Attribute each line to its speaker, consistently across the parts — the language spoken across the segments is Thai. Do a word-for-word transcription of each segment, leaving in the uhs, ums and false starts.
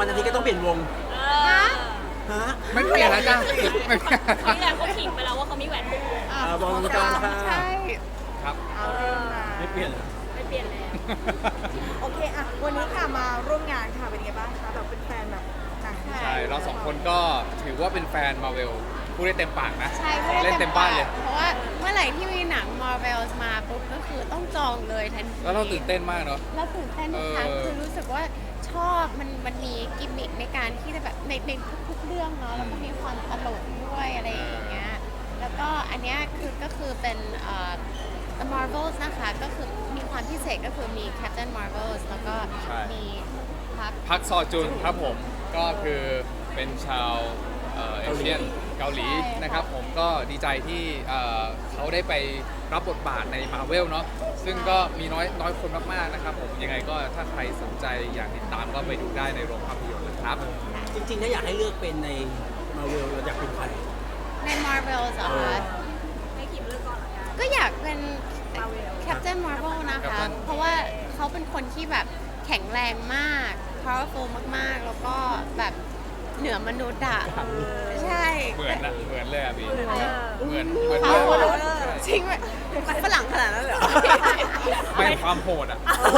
Speaker 1: วันอาทิตย์ก็ต้องเปลี่ยนวง
Speaker 2: เอ
Speaker 3: ฮะ
Speaker 2: อ
Speaker 1: ฮะ
Speaker 4: ไม่เปลี่ยนแล้วจ้ะไม่เปลี่ยน
Speaker 2: นี่แหละเขาขิงไปแล้วว่าเขามีแหวนหกวง
Speaker 1: อ่าบอลจอนค่ะ
Speaker 3: ใช่
Speaker 4: ครับ
Speaker 3: เอาเรื่องมา
Speaker 1: ไม่เปลี่ยนเหรอ
Speaker 2: ไม่เปลี่ยนแล้ว
Speaker 3: โอเคอะวันนี้ค่ะมาร่วมงานค่ะเป็นไงบ้างคะแบบเป็นแฟนแบบหนัง
Speaker 4: ใช่เราสองคนก็ถือว่าเป็นแฟนมาเวลพูดได้เต็มปากนะ
Speaker 5: ใช่ไม่ได้
Speaker 4: เล่นเต็มบ้านเลย
Speaker 5: เพราะว่าเมื่อไหร่ที่มีหนัง Marvel มาปุ๊บก็คือต้องจองเลยทันที
Speaker 4: แล้วเราตื่นเต้นมากเนาะ
Speaker 5: แล้วตื่นเต้นทุกครั้ง
Speaker 4: เออ
Speaker 5: คือรู้สึกว่าชอบมันมันมีกิมมิคในการที่จะแบบในในทุกๆเรื่องเนาะแล้วก็มีความตลกด้วยอะไรอย่างเงี้ยแล้วก็อันเนี้ยคือก็คือเป็นเอ่อ The Marvels นะคะก็คือมีความพิเศษก็คือมี Captain Marvels แล้วก็มีพัก
Speaker 4: พักซอจุนครับผมก็คือเป็นชาวเอ่อเอเชียนเกาหลี
Speaker 5: ใช่ค่ะ
Speaker 4: นะครับผมก็ดีใจที่เอ่อเขาได้ไปรับบทบาทในมาเวลเนาะซึ่งก็มีน้อยน้อยคนมากๆนะครับผมยังไงก็ถ้าใครสนใจอยากติดตามก็ไปดูได้ในโรงภาพยนตร์นะครับ
Speaker 1: จริงๆถ้าอยากให้เลือกเป็นในมาเวลเราอยากเป็นใคร
Speaker 5: ใน Marvels เหรอ
Speaker 1: เออ
Speaker 5: คะ
Speaker 2: ให้ขิมเลือกก่อนละกัน
Speaker 5: ก็อยากเป็น
Speaker 2: Marvel
Speaker 5: Captain Marvel นะคะ
Speaker 4: Captain
Speaker 5: เพราะว่าเขาเป็นคนที่แบบแข็งแรงมาก powerful มากๆ แล้วก็แบบเหนือมนุษย์อะใช่
Speaker 4: เหมือนนะเหมือนเลยอะพี่
Speaker 2: เออ
Speaker 4: เหมือนเหมือน
Speaker 5: เขา
Speaker 4: เลย
Speaker 5: จริงไหมฝรั่งขนาดนั้นเลยเหรอ
Speaker 4: ไม่ความโหดอะ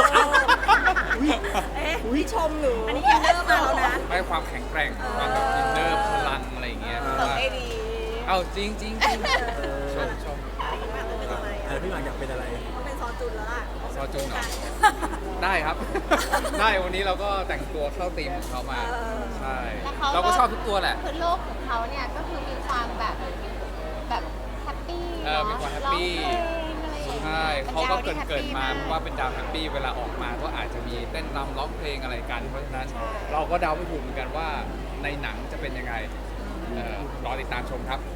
Speaker 2: เอ๊ะ
Speaker 1: อุ้ยชมหนู
Speaker 2: อันนี้อินเนอร์มาแล้วนะ
Speaker 4: ไม่ความแข็งแกร่งความแบบอินเนอร์พลังอะไรอย่างเงี้ย
Speaker 3: ตกได้ดี
Speaker 4: เอาจริงจริงจริงชมชม
Speaker 1: เออพี่หมากอยากเป็นอะไร
Speaker 2: ต้องเป็นซอจุนแล้วล่ะ
Speaker 4: ซอจุนเหรอ ได้ครับ ได้วันนี้เราก็แต่งตัวเข้าธีมของเขามาใช่
Speaker 5: แล้วเขา
Speaker 4: เราก็ชอบทุกตัวแหละ
Speaker 5: คือโลกของเขาเนี่ยก็คือมีความแบบแบบแฮปปี้
Speaker 4: เออมีความแฮปปี้
Speaker 5: ร้องเพลงอะไรอย่างเงี้ย
Speaker 4: ใช่เขาก็เกิด
Speaker 5: ป็นดวที่
Speaker 4: เกิดมา
Speaker 5: แฮปปี้
Speaker 4: ว่าเป็นดาวแฮปปี้เวลาออกมาก็อาจจะมีเต้นรำร้องเพลงอะไรกัน เพราะฉะนั้นเราก็เดาไม่ถูกเหมือนกันว่าในหนังจะเป็นยังไงเอ่อรอติดตามชมครับ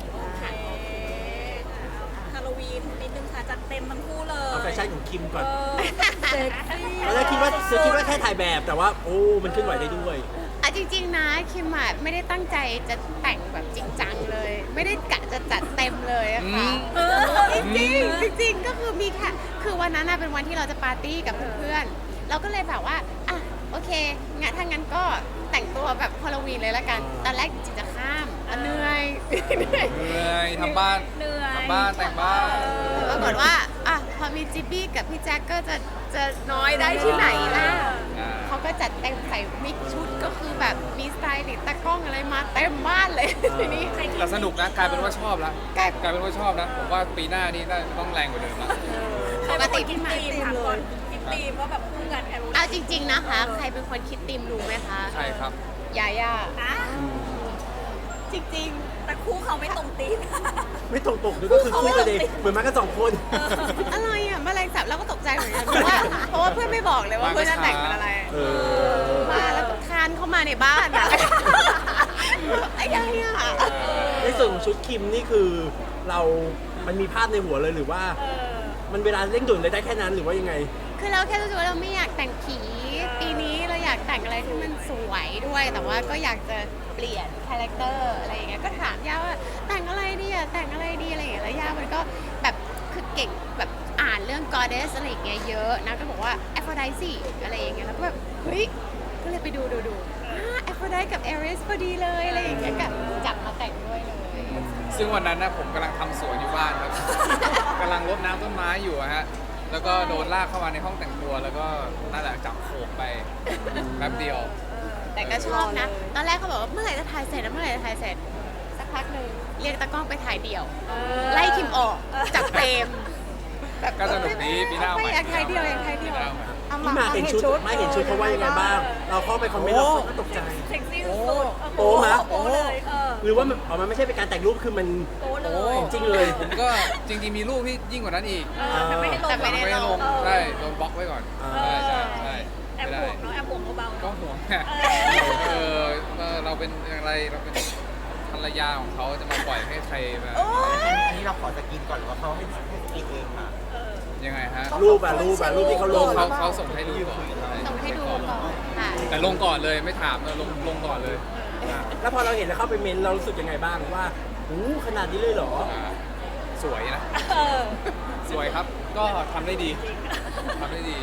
Speaker 2: ฮาโลวีนนิดนึงค่ะจัดเต็มทั้งคู่เลย
Speaker 1: เอาแฟชั่นของคิมก่อน
Speaker 2: เออเซ็กซี่
Speaker 1: ตอนแรกคิดว่าเธอคิดว่าแค่ถ่ายแบบแต่ว่าโอ้มันเคลื่อนไหวได้ด้วย
Speaker 5: อ่ะจริงๆนะคิมอะไม่ได้ตั้งใจจะแต่งแบบจริงจังเลย ไม่ได้กะจะจัดเต็มเลยอะค่ะ
Speaker 4: อืม
Speaker 5: จริงๆจริงๆก็คือมีแค่คือวันนั้นน่ะเป็นวันที่เราจะปาร์ตี้กับเพื่อนๆเราก็เลยแบบว่าอ่ะโอเคงั้นถ้างั้นก็แต่งตัวแบบฮาโลวีนเลยละกันตอนแรกจิตจะข้ามอ่ะเหนื่อยเหนื่อย
Speaker 4: เหนื่อยทำบ้าน
Speaker 2: เหนื่อย
Speaker 4: ทำบ้านแต่งบ้าน
Speaker 5: ปรากฏว่าอ่ะพอมีจิบบี้กับพี่แจ็คก็จะจะน้อยได้ที่ไหนล่ะ
Speaker 4: อ่า
Speaker 5: เขาก็จัดเต็มใส่มิกชุดก็คือแบบมีสไตล์ติดตากล้องอะไรมาเต็มบ้านเลยทีนี้
Speaker 4: แต่สนุกนะกลายเป็นว่าชอบแล้ว
Speaker 5: กลาย
Speaker 4: กลายเป็นว่าชอบนะผมว่าปีหน้านี่น่าต้องแรงกว่าเดิมละ
Speaker 2: ปกติคิดตีมถามก่อนคิดตีมว่าแบบคู่กันแฮโลวีน
Speaker 5: เอาจริง ๆนะคะ ใครเป็นคนคิดธีมรู้ไหมคะ
Speaker 4: ใช่ครับ
Speaker 5: ยาย่า
Speaker 2: อ่ะ
Speaker 5: จริง
Speaker 2: แต่คู่เขาไม่ตรงตีม
Speaker 1: ไม่ตรงปกด้วยก็คือคู่กันเองเหมือนมากันสองคน
Speaker 5: ๆ อะไรอ่ะแมลงสาบเราก็ตกใจเหมือนกันเพราะว่าเพราะว่าเพื่อนไม่บอกเลยว่าเพื่อนจะแต่งเป็นอะไร
Speaker 1: เออ
Speaker 5: มาแล้วก็คานเข้ามาในบ้านอ่ะไอ้ยาย่า
Speaker 1: ในส่วนของชุดคิมนี่คือเรามันมีภาพในหัวเลยหรือว่า
Speaker 2: เออ
Speaker 1: มันเวลาเร่งด่วนเลยได้แค่นั้นหรือว่ายังไง
Speaker 5: คือเราแค่รู้สึกว่าเราไม่อยากแต่งผีปีนี้เราอยากแต่งอะไรที่มันสวยด้วย แต่ว่าก็อยากจะเปลี่ยนคาแรคเตอร์อะไรอย่างเงี้ยก็ถามย่าว่าแต่งอะไรดีอะแต่งอะไรดีอะไรอย่างเงี้ยแล้วย่ามันก็แบบคือเก่งแบบอ่านเรื่อง goddess อะไรอย่างเงี้ยเยอะนะก็บอกว่า Aphrodite อะไรอย่างเงี้ยแล้วก็แบบเฮ้ยก็เลยไปดูดูดูอ่า Aphrodite กับ Aries พอดีเลยอะไรอย่างเงี้ยกับจับมาแต่งด้วยเลย
Speaker 4: ซึ่งวันนั้นนะผมกำลังทำสวนอยู่บ้านครับ กำลังรดน้ำต้นไม้อยู่อะฮะ แล้วก็โดนลากเข้ามาในห้องแต่งตัว แล้วก็นั่นแหละจับโขกไปแป๊บเดียว
Speaker 5: แต่ก็ชอบนะ ตอนแรกเขาบอกว่าเมื่อไหร่จะถ่ายเสร็จนะเมื่อไหร่จะถ่ายเสร็จ สักพักหนึ่งเรียกตากล้องไปถ่ายเดี่ยว ไล่คิมออกจากเฟรมแบบ
Speaker 4: ก็สนุกดีปีหน้าเอาใหม่
Speaker 5: ไม่อยากถ่ายเดี่ยวอยากถ่ายเดี่ยว
Speaker 4: ปีหน้าเอาใหม่
Speaker 1: พี่หมากเห็นชุดไม่เห็นชุดเขาว่ายังไงบ้าง เราเข้าไปคอมเมนต์เราก็ตกใจ
Speaker 2: เซ็กซี่สุดๆ
Speaker 1: โอ้มะ
Speaker 2: โอ้เลยเออ
Speaker 1: หรือว่ามันอ๋อมันไม่ใช่เป็นการแต่งรูปคือมัน
Speaker 2: โอ้เล
Speaker 4: โอ้
Speaker 2: ย
Speaker 1: จริงเลย
Speaker 4: ผมก็จริงๆมีรูปที่ยิ่งกว่านั้นอีก
Speaker 2: เออแต่ไม่ได้ลง
Speaker 5: แต่ไม่ได้
Speaker 4: ไม่ได้ลง
Speaker 2: เออ
Speaker 4: ใช่โดนบล็อกไว้ก่อน
Speaker 1: อ่า
Speaker 4: ใช่ใช่ใช่
Speaker 2: แอบ
Speaker 4: ไม่
Speaker 2: ห่
Speaker 4: ได้
Speaker 2: วงเนาะแอบห่วงเบาๆ
Speaker 4: ก็
Speaker 2: เนาะ
Speaker 4: ห่วงไง
Speaker 2: เออ
Speaker 4: เออเออเราเป็นอะไรเราเป็นภรรยาของเขาจะมาปล่อยให้ใครแบบ
Speaker 6: อันนี้เราขอสกินก่อนหรือว่าเขาให้ให้สกินเองค่ะ
Speaker 4: ยังไงฮะ
Speaker 1: รูปอะรูปอะรูปที่เขาลง
Speaker 4: เขาเขาส่งให้ดูก่อน
Speaker 5: ส่งให้ดูก่อนค่ะ
Speaker 4: แต่ลงก่อนเลยไม่ถามเลยลงลงก่อนเลย
Speaker 1: แล้วพอเราเห็นแล้วเข้าไปเมนต์เรารู้สึกยังไงบ้างว่าอู้ขนาดนี้เลยเหรอ
Speaker 4: อ่าสวยนะ
Speaker 2: เออ
Speaker 4: สวยครับ ก็ทำได้ดีทำได้ดี
Speaker 1: แล้ว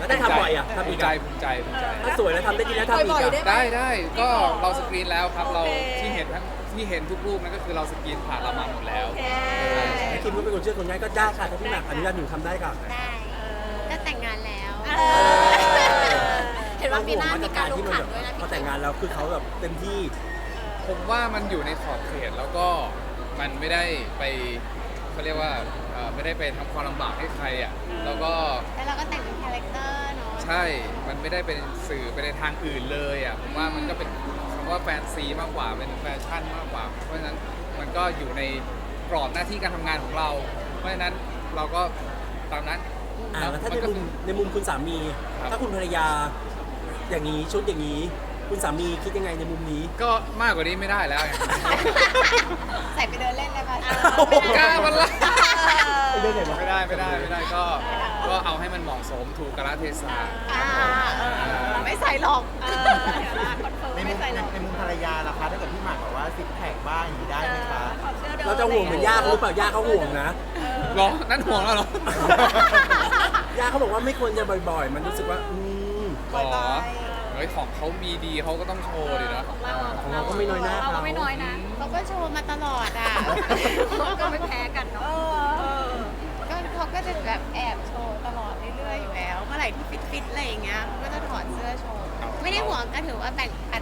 Speaker 1: แล้วได้ทำบ่อยอ่ะทำ
Speaker 4: ภู
Speaker 1: อี
Speaker 4: มิ
Speaker 1: ก
Speaker 4: ใจ
Speaker 1: อ่ะ
Speaker 4: ภูมิใจภูมิใจ
Speaker 1: ถ้าสวยแล้วทำได้ดีแล้วทำอีก
Speaker 3: บ่อยๆ
Speaker 1: อ่ะ
Speaker 3: ได้
Speaker 4: ได้ได้ก็เราสกรีนแล้วครับเราที่เห็นทั้งที่เห็นทุกรูปนั่นก็คือเราสกรีนผ่านเรามาหมดแล้ว
Speaker 1: พี่คิมก็เป็นคนเชื่อคนง่ายก็ได้ค่ะถ้าพี่หมากอนุญาตหนูทำได้ค่ะ
Speaker 5: ได้ก็แต่งงานแล้ว
Speaker 2: เห็นว่าปีหน้ามีการลงขันด้วยนะ
Speaker 1: พอแต่งงานแล้วคือเขาแบบเต็มที่
Speaker 4: ผมว่ามันอยู่ในขอบเขตแล้วก็มันไม่ได้ไปเขาเรียกว่าเอ่อไม่ได้ไปทำความลำบากให้ใครอ่ะแล้วก็
Speaker 5: แล้วเราก็แต่งเป็นคาแรคเตอร์เนาะ
Speaker 4: ใช่ มันไม่ได้เป็นสื่อไปในทางอื่นเลยอ่ะผมว่ามันก็เป็นคำว่าแฟนซีมากกว่าเป็นแฟชั่นมากกว่า เพราะฉะนั้นมันก็อยู่ในกรอบหน้าที่การทำงานของเรา เพราะฉะนั้นเราก็ตามนั้น
Speaker 1: อ่าแล้วถ้าใน
Speaker 4: มันก็
Speaker 1: มุมในมุมคุณสามี
Speaker 4: ครับ
Speaker 1: ถ้าคุณภรรยาอย่างนี้ชุดอย่างนี้ คุณสามีคิดยังไงในมุมนี้
Speaker 4: ก็มากกว่านี้ไม่ได้แล้วไง
Speaker 5: ใส่ไปเดินเล่นได้ปะ
Speaker 4: กล้าวันละ
Speaker 1: ไปเดินไหนวะ
Speaker 4: ไม่ได้ไม่ได้ไม่ได้ก็ก็เอาให้มันเหมาะสมถูกกาลเทศะ
Speaker 5: อ่าเออไม่ใส่หรอก
Speaker 6: ในมุมในมุมภรรยาล่ะคะถ้าเกิดพี่หมากบอกว่าซิกแพคบ้างอย่างนี้ได้ไหมคะ
Speaker 1: เราจะห่วงเหมือนย่าเขาหรือเปล่าย่าเขาห่วงนะ
Speaker 4: หรอนั่นห่วงแล้วเหรอ
Speaker 1: ย่าเขาบอกว่าไม่ควรจะบ่อยๆ มันรู้สึกว่าอืม
Speaker 4: หรอเฮ้ยของเขามีดีเขาก็ต้องโชว์ดิเนาะ
Speaker 1: ของเราก็ไม่น้อยหน้า
Speaker 2: เรา
Speaker 1: เขา
Speaker 2: ก็ไม่น้อยนะ
Speaker 5: เขาก็โชว์มาตลอดอ่ะ
Speaker 2: ก็ไม่แพ้กันเนาะ
Speaker 5: ก็เขาก็จะแบบแอบโชว์ตลอดเรื่อยๆอยู่แล้ว เมื่อไหร่ที่ฟิตๆอะไรอย่างเงี้ยเขาก็จะถอดเสื้อโชว์ ไม่ได้ห่วงก็ถือว่าแบ่งปัน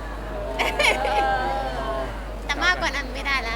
Speaker 5: แต่มากกว่านั้นไม่ได้แล้ว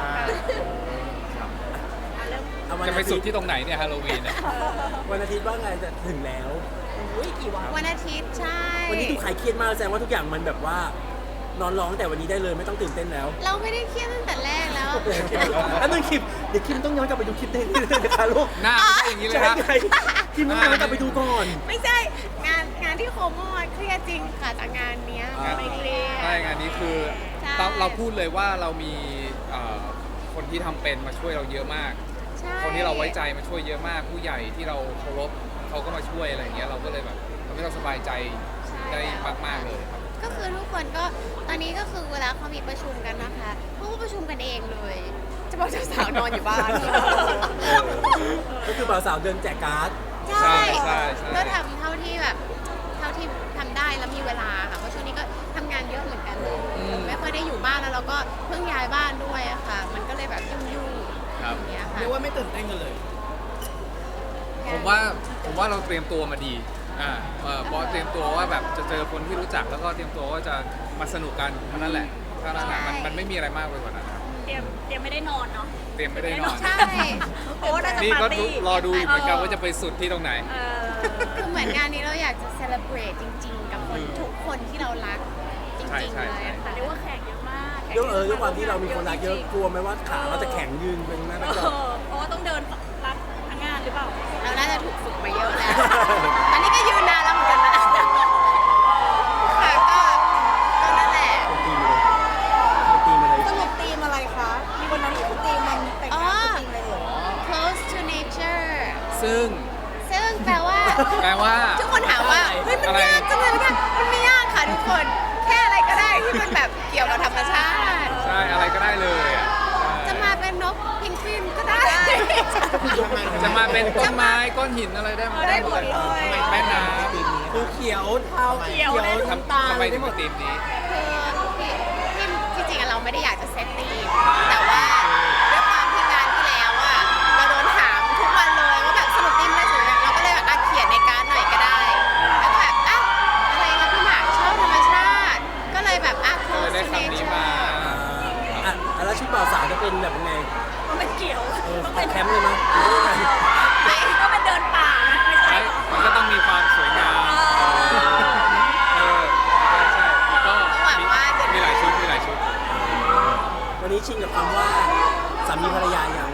Speaker 1: เอาวัน
Speaker 4: จะไป
Speaker 1: อา
Speaker 4: สุ
Speaker 1: ทิ
Speaker 4: ด
Speaker 1: ตย์
Speaker 4: ที่ตรงไหนเนี่ยฮาโลวีนเนี่ย
Speaker 1: วันอาทิตย์ว่าไงจะถึงแล้ว
Speaker 5: วันอาทิตย์ใช่
Speaker 1: วันนี้ดูขายเครียดมากแสดงว่าทุกอย่างมันแบบว่านอนร้องแต่วันนี้ได้เลยไม่ต้องตื่นเต้นแล้ว
Speaker 5: เราไม่ได้เครียดตั้งแต่แรกแล้ว
Speaker 1: แล้วนึงคลิปเดี๋ยวคลิปต้องย้อนกลับไปดูคลิปเต้นเลยนะคะลูก
Speaker 4: หน้าไม่ใช่อย่างนี้เลย
Speaker 1: ใช่
Speaker 4: นะ
Speaker 1: ไงคลิปต้องย้อนกลับไปดูก่อน
Speaker 5: ไม่ใช่งานงานที่โคโมอะเครียดจริงค่ะจากงานเนี้ย
Speaker 1: อ่า
Speaker 5: ไม่เครียด
Speaker 4: ใช่งานนี้คือ
Speaker 5: ใช่
Speaker 4: เราเราพูดเลยว่าเรามีเอ่อคนที่ทำเป็นมาช่วยเราเยอะมาก
Speaker 5: ใช่
Speaker 4: คนที่เราไว้ใจมาช่วยเยอะมาก ผู้ใหญ่ที่เราเคารพเขาก็มาช่วยอะไรอย่างเงี้ยเราก็เลยแบบทำให้เราสบายใจได้มากๆเลยครับ
Speaker 5: ก็คือทุกคนก็ตอนนี้ก็คือเวลาเขามีประชุมกันนะคะเขาก็ประชุมกันเองเลยจะบอกเจ้าสาวนอนอยู่บ้าน
Speaker 1: ก็คือบ่าวสาวเดินแจกการ์ด
Speaker 5: ใช่
Speaker 4: ใช่ใช่
Speaker 5: ก็ทำเท่าที่แบบเท่าที่ทำได้แล้วมีเวลาค่ะเพราะช่วงนี้ก็ทำงานเยอะเหมือนกันเลยไม่ค่อยได้อยู่บ้านแล้วเราก็เพิ่งย้ายบ้านด้วยอะค่ะ มันก็เลยแบบยุ่งๆ
Speaker 4: ครับ
Speaker 5: อย่างเงี้ยค่ะ
Speaker 1: เรียกว่าไม่ตื่นเต้นกันเลย
Speaker 4: ผมว่าผมว่าเราเตรียมตัวมาดีอ่าเอ่อเพราะเตรียมตัวว่าแบบจะเจอคนที่รู้จักแล้วก็เตรียมตัวว่าจะมาสนุกกันเท่านั้นแหละเท่านั้นแหละมันมันไม่มีอะไรมากไปกว่านั้นครับ
Speaker 2: เตรียมเตรียมไม่ได้นอนเนาะ
Speaker 4: เตรียมไม่ได้นอน
Speaker 5: ใช่
Speaker 2: เพราะว่าน่าจะ
Speaker 4: นี่
Speaker 2: ปา
Speaker 4: ก็
Speaker 2: ร์ตี้
Speaker 4: รอดูอยู่เหมือนกันว่าจะไปสุดที่ตรงไหน
Speaker 2: เออ
Speaker 5: คือเหมือนงานนี้เราอยากจะเซเลบรตจริง ๆ กับคนทุกคนที่เรารักจ
Speaker 4: ใช่
Speaker 5: ริง
Speaker 4: ใช่
Speaker 5: ๆเลยอะ
Speaker 2: แต่
Speaker 5: ค่ะ
Speaker 2: เรียกว่าแขกเยอะมากแขก
Speaker 1: เรื่องเออด้วยความที่เรามีคนรักเยอะกลัวไหมว่าขาเราจะแข็งยืนเป็นหน้า
Speaker 2: เอ
Speaker 1: กระจก
Speaker 2: อเพราะว่าต้องเดินรับทั้งงานหรือเปล่า
Speaker 5: เราน่าจะถูกฝึกมาเยอะแล้ว ตอนนี้ก็ยืนนานแล้วเหมือนกันนะค่ะก็ก็นั่นแหละ
Speaker 1: เป็นตีมาเลยเป็นตีมาเลย
Speaker 3: สรุปธีมอะไรคะมีวันนั้นคือธีมมันแต่งงานคือธีมอะไรเหรอ
Speaker 5: close to nature
Speaker 4: ซึ่ง
Speaker 5: ซึ่งแปลว่า
Speaker 4: แปลว่า
Speaker 5: ทุกคนถามว่าเฮ้ยมัน
Speaker 4: อะไร
Speaker 5: ยากจังเลยมันยากมันไม่ยากค่ะทุกคน แค่อะไรก็ได้ที่มันแบบเกี่ยวกับธรรมชาติ
Speaker 4: ใช่อะไรก็ได้เลยอ่ะ
Speaker 5: จะมาเป็นนกพิงกวินก็ได้
Speaker 4: จะมาเป็นต้นไม้ก้อนหินอะไรได้หมด
Speaker 2: ได้หมดเลย
Speaker 4: แม่น้
Speaker 1: คือเขียวเทา
Speaker 2: เขียวได้
Speaker 4: ำทำทำไมถึงเป็นธีมนี้
Speaker 5: คือที่ที่จริงๆอะเราไม่ได้อยากจะเซตตีมแต่ว่าด้วยความที่งานที่แล้วอะเราโดนถามทุกวันเลยว่าแบบสรุปตีมอะไรสวยเราก็เลยแบบอ่ะเขียนในการ์ดหน่อยก็ได้แล้วก็แบบอ่ะอะไรนะพี่หมากชอบธรรมชาติ ก็เลยแบบอ่ะ
Speaker 4: ก็เลย
Speaker 5: close
Speaker 4: ได้
Speaker 5: to
Speaker 4: คำนี้มา
Speaker 5: nature
Speaker 1: อ่ะแล้วชุดบ่าวสาวจะเป็นแบบยังไง
Speaker 2: มันเป็นเขียว
Speaker 1: เออ
Speaker 2: ต้อง
Speaker 1: แค
Speaker 2: เป็น
Speaker 1: มป์เลยมั้ยหรือว่ายังไง
Speaker 2: ไม่ก็เป็นเดินป่านะไม่ใช่
Speaker 4: ใช่มันก็ต้องมีความสวยงามเออใช่ใช่ก็มีมีหลายชุดมีหลายชุด
Speaker 1: วันนี้ชินกับคำว่าสามีภรรยายัง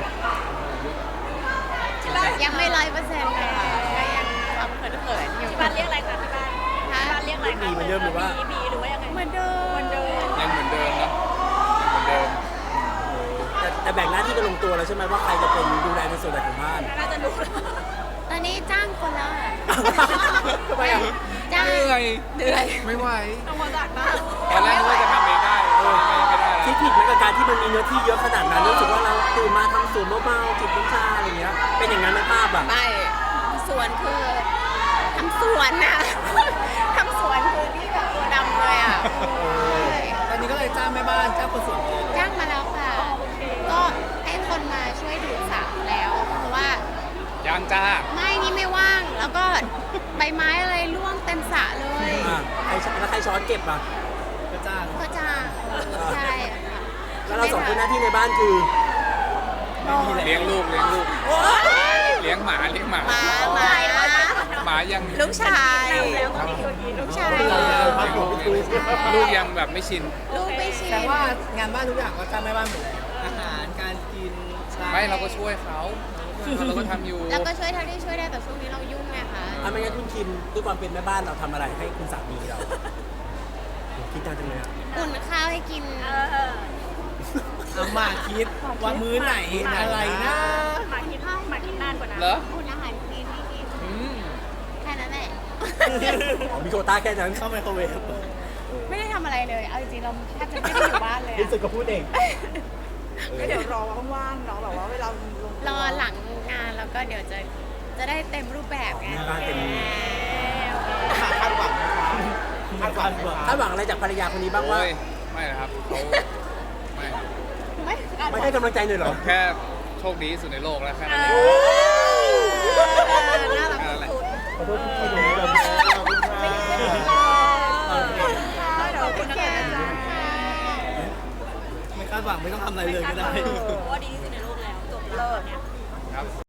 Speaker 5: ยังไม่ร้อยเปอร์เซ็นต์เลยค่ะก็ยังความเขินๆอยู่
Speaker 2: ที่บ้านเรียกอะไรคะที่บ้านที่บ้านเรียกอะไรคะ
Speaker 1: มีเหมือนเดิมหรือว่า
Speaker 2: มีมีหรือว่ายังไง
Speaker 5: เหมือนเดิม
Speaker 2: เหมือนเดิม
Speaker 4: ยังเหมือนเดิมเนอะยังเหมือนเดิม
Speaker 1: แต่แต่แบ่งหน้าที่กันลงตัวแล้วใช่ไหมว่าใครจะเป็นดูแลในส่วนไหนของบ้าน
Speaker 2: น่าจะรู้
Speaker 5: ตอนนี้จ้างคนแล้วอะ
Speaker 1: ทำไมอ่ะ
Speaker 5: จ้าง
Speaker 4: เหนื่อย
Speaker 5: เหนื่อย
Speaker 4: ไม่ไหว
Speaker 2: ต้องมาจัดบ้าง
Speaker 4: ตอนแรกนึกว่าจะทำเองได้เออไม่ไม่ได้
Speaker 1: คิดผิดไหมกับการที่มันมีเนื้อที่เยอะขนาดนั้นรู้สึกว่าเราตื่นมาทำสวนเบาๆจิบน้ำชาอะไรเงี้ยเป็นอย่างนั้นไหมภาพอ่ะ
Speaker 5: ไม่ส่วนคือทำสวนนะ ทำสวนคือที่แบบตัวดำเลยอ่ะใช่
Speaker 1: ตอนนี้ก็เลยจ้างแม่บ้านจ้างคนสวน
Speaker 5: จ้างมาแล้วค่ะ ก็ให้คนมาช่วยดูดสระแล้ว เพราะว่า
Speaker 4: ยังจ้า
Speaker 5: ไม่นี่ไม่ว่าง แล้วก็ใบไม้อะไรร่วงเต็มสระเลย
Speaker 1: อ่ะใครแล้วใครช้อนเก็บอ่ะก็จ้าง
Speaker 5: ก็จ้างใช่ค่ะ
Speaker 1: แล้วเราสองคนหน้าที่ในบ้านคือ
Speaker 4: เลี้ยงลูกเลี้ยงลูกเลี้ยงหมาเลี้ยงหมา
Speaker 5: หมาหมา
Speaker 4: หมายัง
Speaker 5: ลูกชายลูกชาย
Speaker 4: ลูกยังแบบไม่ชิน
Speaker 5: ลูกไม่ชิน
Speaker 1: แต่ว่างานบ้านทุกอย่างก็จ้างแม่บ้านหมดเลยอาหารการกิน
Speaker 4: ไม่เราก็ช่วยเขาเราก็ทำอยู่
Speaker 5: แล้วก็ช่วยเท่าที่ช่วยได้แต่ช่วงนี้เรายุ่งไงคะ
Speaker 1: อ่ะไม่งั้นคุณคิมด้วยความเป็นแม่บ้านเราทำอะไรให้คุณสามีเราคิดจังเลยอ่ะ
Speaker 5: อุ่นข้าวให้กิน
Speaker 1: เอามาคิดว่ามื้อไหนอะไรนะ
Speaker 2: หมาคิดหมาคิดนานกว่านั้น
Speaker 4: เหรอ
Speaker 5: อุ่นอาหารกินให้กิน
Speaker 4: อืม
Speaker 5: แค่นั้นแหละ
Speaker 1: มีโควต้าแค่นั้นเข้าไมโครเวฟ
Speaker 5: ไม่ได้ทำอะไรเลย เอาจริงๆเราแทบจะไม่ได้อยู่บ้านเลย
Speaker 1: รู้สึก
Speaker 5: อะ
Speaker 1: ก็พูดเอง
Speaker 3: ก็เดี๋ยวรอว่างๆเนาะแบบว่าเวลาลงตัว
Speaker 5: รอหลังงานแล้วก็เดี๋ยวจะจะได้เต็มรูปแบบไง
Speaker 1: บ้านเต็ม
Speaker 6: คาดหวังไหมคะคาดหวังไหมคะ
Speaker 1: คาดหวังอะไรจากภรรยาคนนี้บ้างว่า
Speaker 4: โอ้ยไม่นะครับเขาไม่ครับ
Speaker 5: ไม่
Speaker 1: ไม่ให้กำลังใจเลยเหรอ
Speaker 4: แค่โชคดีที่สุดในโลกแล้วแค่นั้นเอง
Speaker 5: น่ารัก
Speaker 4: แค่นั้นแหละ
Speaker 1: ขอโทษที่ไม่รู้เลย
Speaker 3: เดี๋ยวเป็นแกนะจ๊ะ
Speaker 1: ไม่คาดหวังไม่ต้องทำอะไรเลยก็ได้
Speaker 2: ว่าดีที่สุดในโลกแล้วจบแล้วเนี่ย
Speaker 4: ครับ